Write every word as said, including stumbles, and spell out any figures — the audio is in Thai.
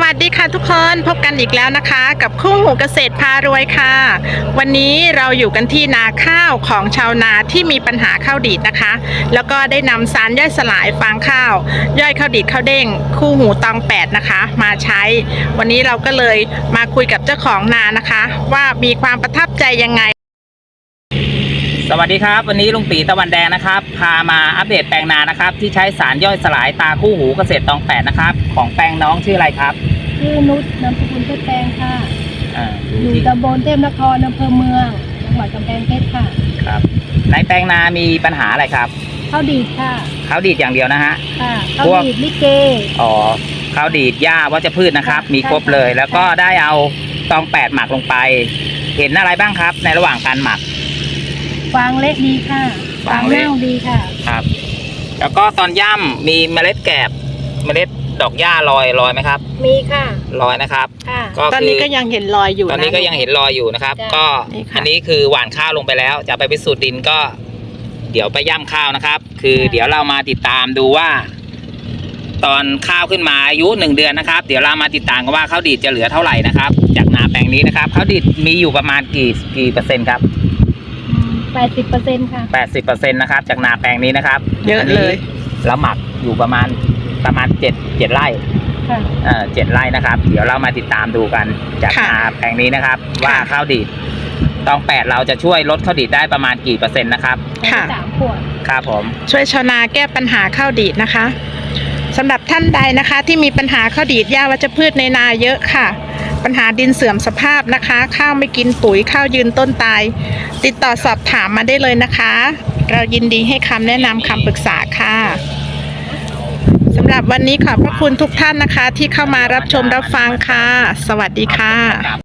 วัสดีค่ะทุกคนพบกันอีกแล้วนะคะกับคู่หูเกษตรพารวยค่ะวันนี้เราอยู่กันที่นาข้าวของชาวนาที่มีปัญหาข้าวดีดนะคะแล้วก็ได้นำสารย่อยสลายฟางข้าวย่อยข้าวดีดข้าวเด้งคู่หูตองแปดนะคะมาใช้วันนี้เราก็เลยมาคุยกับเจ้าของนานะคะว่ามีความประทับใจยังไงสวัสดีครับวันนี้ลุงตีตะวันแดงนะครับพามาอัปเดตแปลงนานะครับที่ใช้สารย่อยสลายตาคู่หูเกษตรตองแปดนะครับของแปลงน้องชื่ออะไรครับชื่อนุชนามสกุลเพชรแปลงค่ะอ่าอยู่ตำบลเทพนครอำเภอเมืองจังหวัดกำแพงเพชรค่ะครับในแปลงนามีปัญหาอะไรครับข้าวดีดค่ะข้าวดีดอย่างเดียวนะฮะค่ะข้าวดีดลิเกอ๋อข้าวดีดหญ้าวัชพืชนะครับมีครบเลยแล้วก็ได้เอาตองแปดหมักลงไปเห็นอะไรบ้างครับในระหว่างการหมักฟางเละดีค่ะฟางเน่าดีค่ะครับแล้วก็ตอนย่ำมีเมล็ดแกบเมล็ดดอกหญ้าลอยลอยไหมครับมีค่ะลอยนะครับก็ตอนนี้ก็ยังเห็นรอยอยู่ตอนนี้ก็ยังเห็นรอยอยู่นะครับก็อันนี้คือหว่านข้าวลงไปแล้วจะไปพิสูจน์ดินก็เดี๋ยวไปย่ำข้าวนะครับคือเดี๋ยวเรามาติดตามดูว่าตอนข้าวขึ้นมาอายุหนึ่งเดือนนะครับเดี๋ยวเรามาติดตามกันว่าข้าวดีดจะเหลือเท่าไหร่นะครับจากนาแปลงนี้นะครับข้าวดีดมีอยู่ประมาณกี่กี่เปอร์เซ็นต์ครับแปดสิบเปอร์เซ็นต์ค่ะแปดสิบเปอร์เซ็นต์นะครับจากนาแปลงนี้นะครับเยอะเลยแล้วหมักอยู่ประมาณประมาณเจ็ดเจ็ดไร่ค่ะเอ่อเจ็ดไร่นะครับเดี๋ยวเรามาติดตามดูกันจากนาแปลงนี้นะครับว่าข้าวดีดตองแปดเราจะช่วยลดข้าวดีดได้ประมาณกี่เปอร์เซ็นต์นะครับค่ะสามขวดครับผมช่วยชาวนาแก้ปัญหาข้าวดีดนะคะสำหรับท่านใดนะคะที่มีปัญหาข้าวดีดหญ้าวัชพืชในนาเยอะค่ะปัญหาดินเสื่อมสภาพนะคะข้าวไม่กินปุ๋ยข้าวยืนต้นตายติดต่อสอบถามมาได้เลยนะคะเรายินดีให้คำแนะนำคำปรึกษาค่ะสำหรับวันนี้ขอบพระคุณทุกท่านนะคะที่เข้ามารับชมรับฟังค่ะสวัสดีค่ะ